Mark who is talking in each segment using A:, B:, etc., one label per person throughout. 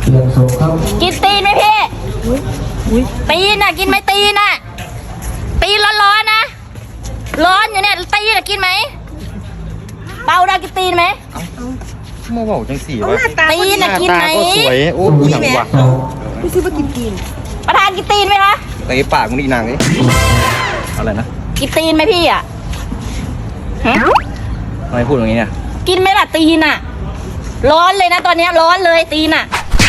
A: เรียงส่งครับ
B: กินตีนไหมพี่ตีนน่ะกินไหมตีนน่ะตีนร้อนๆนะร้อนอยู่เนี่ยตีนน่ะกินไหมเปาได้กินตีนไหม
C: มาบอกจังสี่วะ
B: ตีนน่ะกินไหม
C: ก็สวยโอ้ยหนังว่ะ
A: ไม่ซื้อมากินกิน
B: ประธานกินตีนไหมคะ
C: เตะปากมึงอีนางนี่อะไรนะ
B: กินตีนไหมพี่อ่ะฮะ
C: ทำไมพูดอย่างนี้เนี่ย
B: กินไหมล่ะตีนน่ะร้อนเลยนะตอนเนี้ยร้อนเลยตีนน่ะ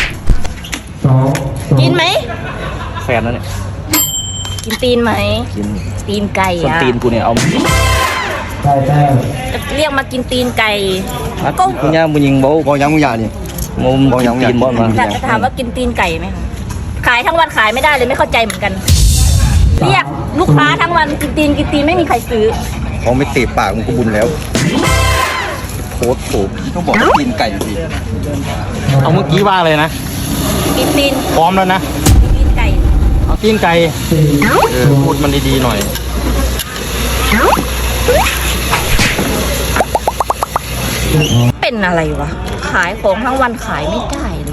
A: 2
B: กินไหม
C: แฟนแล้วเนี่ย
B: กินตีนไหม
C: กิน
B: ตีนไก่
C: ส้น
B: อะ
C: ตีนกูเนี่ยเอา
A: ได้แต้ม
B: จะเรียกมากินตีนไก่
C: ก็มึงยังมึงยิงบอกยังมึงอย่านี่มุมบอกยังตีนบอลมา
B: อยากจะถามว่ากินตีนไก่ไหมคะขายทั้งวันขายไม่ได้เลยไม่เข้าใจเหมือนกัน เรียกลูกค้าทั้งวันกินตีนไม่มีใครซื้อ
C: เขาไม่เตะปากมึงก็บุญแล้วโคตรโผล่ต้องบอกตีนไก่สิเอาเมื่อกี้ว่าเลยนะ
B: กินตีน
C: พร้อมแล้วนะ
B: ตีนไก่
C: เอาตีนไก่พูดมันดีๆหน่อย
B: เป็นอะไรวะขายของทั้งวันขายไม่ได้เลย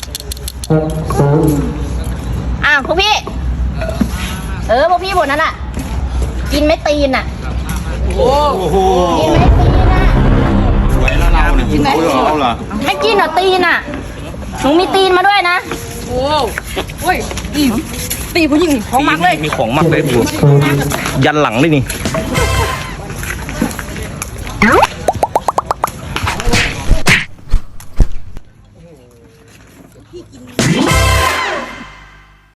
A: 6-0
B: พวกพี่พวกพี่บนนั้นอ่ะ กินไม่ตีนอ่ะ
C: โอ้โห
B: กินไม่ตีนอ่ะ
C: สวยแล้วเราเนี่ยกินไหมเอาเหรอ
B: ไม่กินเหรอตีนอ่ะหนูมีตีนมาด้วยนะโอ้ยตีผู้หญิงของมักเลย
C: มีของมักเลยดูยันหลังเลยนี่
A: 7-0